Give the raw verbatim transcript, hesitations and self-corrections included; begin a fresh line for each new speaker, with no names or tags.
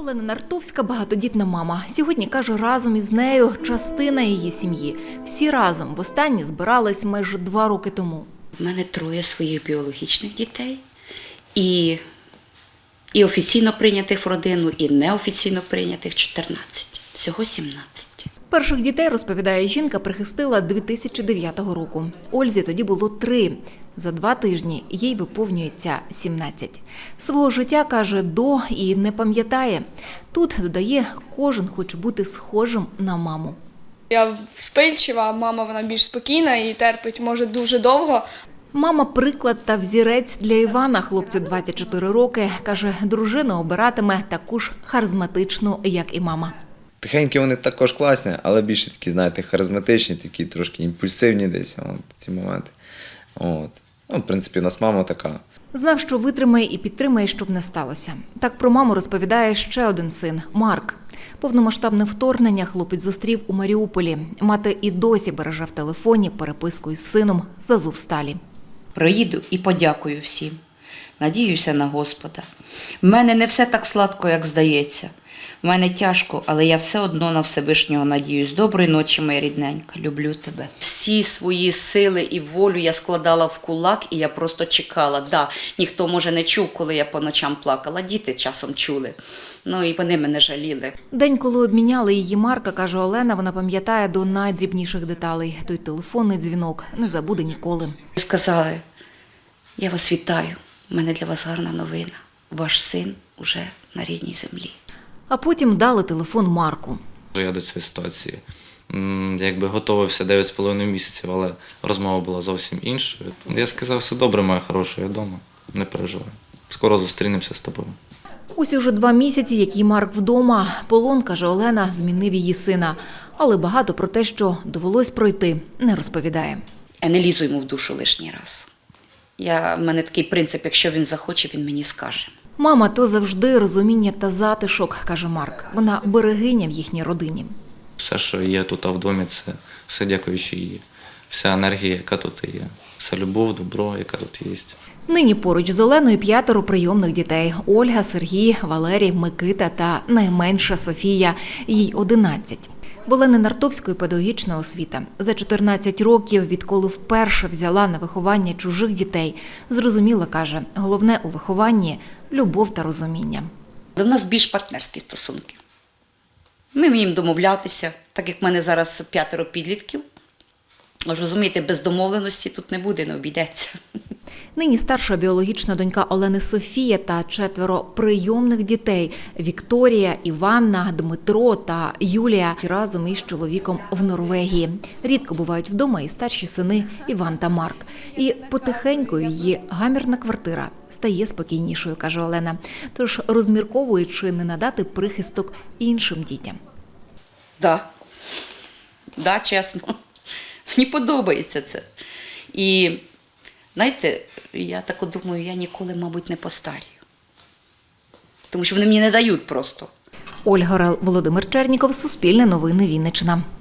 Олена Нартовська – багатодітна мама. Сьогодні, каже, разом із нею частина її сім'ї. Всі разом востаннє збирались майже два роки тому.
У мене троє своїх біологічних дітей. І, і офіційно прийнятих в родину, і неофіційно прийнятих чотирнадцять. Всього сімнадцять.
Перших дітей, розповідає жінка, прихистила дві тисячі дев'ятого року. Ользі тоді було три. За два тижні їй виповнюється сімнадцять. Свого життя, каже, до і не пам'ятає. Тут, додає, кожен хоче бути схожим на маму.
Я вспильчива, мама вона більш спокійна і терпить, може, дуже довго.
Мама – приклад та взірець для Івана, хлопцю двадцять чотири роки. Каже, дружину обиратиме таку ж харизматичну, як і мама.
Тихенькі вони також класні, але більше такі, знаєте, харизматичні, такі трошки імпульсивні десь, от, ці моменти. От. Ну, в принципі, у нас мама така.
Знав, що витримає і підтримає, щоб не сталося. Так про маму розповідає ще один син – Марк. Повномасштабне вторгнення хлопець зустрів у Маріуполі. Мати і досі береже в телефоні переписку із сином з Азовсталі.
Приїду і подякую всім. Надіюся на Господа. В мене не все так сладко, як здається. В мене тяжко, але я все одно на Всевишнього надіюсь. Доброї ночі, моя рідненька. Люблю тебе. Всі свої сили і волю я складала в кулак, і я просто чекала. Да, ніхто, може, не чув, коли я по ночам плакала. Діти часом чули. Ну, і вони мене жаліли.
День, коли обміняли її Марка, каже Олена, вона пам'ятає до найдрібніших деталей. Той телефонний дзвінок не забуде ніколи.
Сказали, я вас вітаю. У мене для вас гарна новина. Ваш син уже на рідній землі.
А потім дали телефон Марку.
Я до цієї ситуації м, якби готувався дев'ять з половиною місяців, але розмова була зовсім іншою. Я сказав, все добре, моя хороша, я вдома, не переживай. Скоро зустрінемося з тобою.
Ось уже два місяці, який Марк вдома. Полон, каже Олена, змінив її сина. Але багато про те, що довелось пройти, не розповідає.
Я не лізу йому в душу лишній раз. Я, в мене такий принцип, якщо він захоче, він мені скаже.
Мама – то завжди розуміння та затишок, каже Марк. Вона берегиня в їхній родині.
Все, що є тут в домі, це все дякуючи їй. Вся енергія, яка тут є. Вся любов, добро, яка тут є.
Нині поруч з Оленою п'ятеро прийомних дітей. Ольга, Сергій, Валерій, Микита та найменша Софія. Їй одинадцять. В Олени Нартовської педагогічна освіта. За чотирнадцять років, відколи вперше взяла на виховання чужих дітей, зрозуміла, каже, головне у вихованні – любов та розуміння.
У нас більш партнерські стосунки. Ми вміємо домовлятися, так як в мене зараз п'ятеро підлітків. Аж розумієте, без домовленості тут не буде, не обійдеться.
Нині старша біологічна донька Олени Софія та четверо прийомних дітей – Вікторія, Іванна, Дмитро та Юлія – разом із чоловіком в Норвегії. Рідко бувають вдома і старші сини Іван та Марк. І потихеньку її гамірна квартира стає спокійнішою, каже Олена. Тож розмірковує, чи не надати прихисток іншим дітям.
Так, да. да, чесно. Мені подобається це. І, знаєте, я так думаю, я ніколи, мабуть, не постарію. Тому що вони мені не дають просто.
Ольга Орел, Володимир Черніков, Суспільне новини, Вінниччина.